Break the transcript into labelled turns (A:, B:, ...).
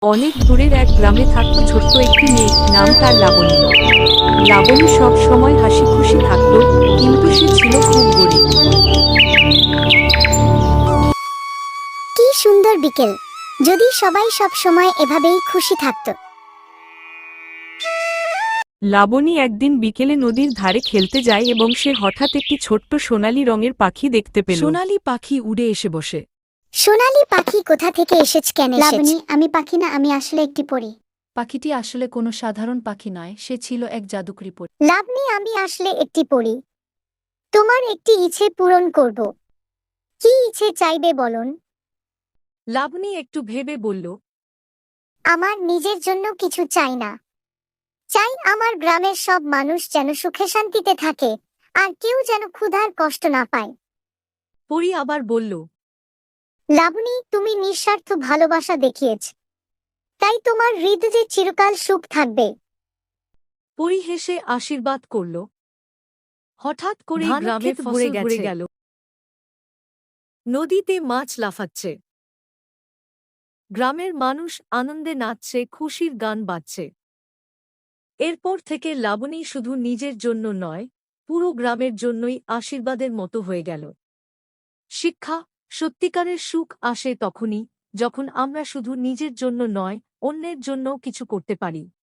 A: অনেক দূরের এক গ্রামে থাকত ছোট্ট একটি মেয়ে, নাম তার লাবণী। লাবণী সব সময় হাসি খুশি থাকত, কিন্তু সে ছিল খুব গরিব।
B: কি সুন্দর বিকেল! যদি সবাই সব সময় এভাবেই খুশি থাকতো।
A: লাবণী একদিন বিকেলে নদীর ধারে খেলতে যায় এবং সে হঠাৎ একটি ছোট্ট সোনালী রঙের পাখি দেখতে পেল।
C: সোনালি পাখি উড়ে এসে বসে।
B: সোনালী পাখি কোথা থেকে এসেছে? কেন লাবণী, আমি পাখি না, আমি আসলে একটি পরী।
C: পাখিটি আসলে কোনো সাধারণ পাখি নয়, সে ছিল এক জাদুকরী পরী।
B: লাবণী, আমি আসলে একটি পরী। তোমার একটি ইচ্ছে পূরণ করব। কি ইচ্ছে চাইবে বলুন?
C: লাবণী একটু ভেবে বলল,
B: আমার নিজের জন্য কিছু চাই না। চাই আমার গ্রামের সব মানুষ যেন সুখে শান্তিতে থাকে, আর কেউ যেন ক্ষুধার কষ্ট না পায়।
C: পরী আবার বলল,
B: লাবণী, তুমি নিঃস্বার্থ ভালোবাসা দেখিয়েছ, তাই তোমার হৃদয়ে চিরকাল সুখ থাকবে।
C: পরী হেসে আশীর্বাদ করল। হঠাৎ করে
A: ধান
C: গ্রামে
A: ক্ষেত
C: ফসল
A: ভরে
C: ভরে
A: গেছে।
C: গেল। নদীতে মাছ লাফাচ্ছে। গ্রামের মানুষ আনন্দে নাচছে, খুশির গান বাজছে। এরপর থেকে লাবণী শুধু নিজের জন্য নয়, পুরো গ্রামের জন্যই আশীর্বাদের মতো হয়ে গেল। শিক্ষা: সত্যিকারের সুখ আসে তখনই, যখন আমরা শুধু নিজের জন্য নয়, অন্যের জন্যও কিছু করতে পারি।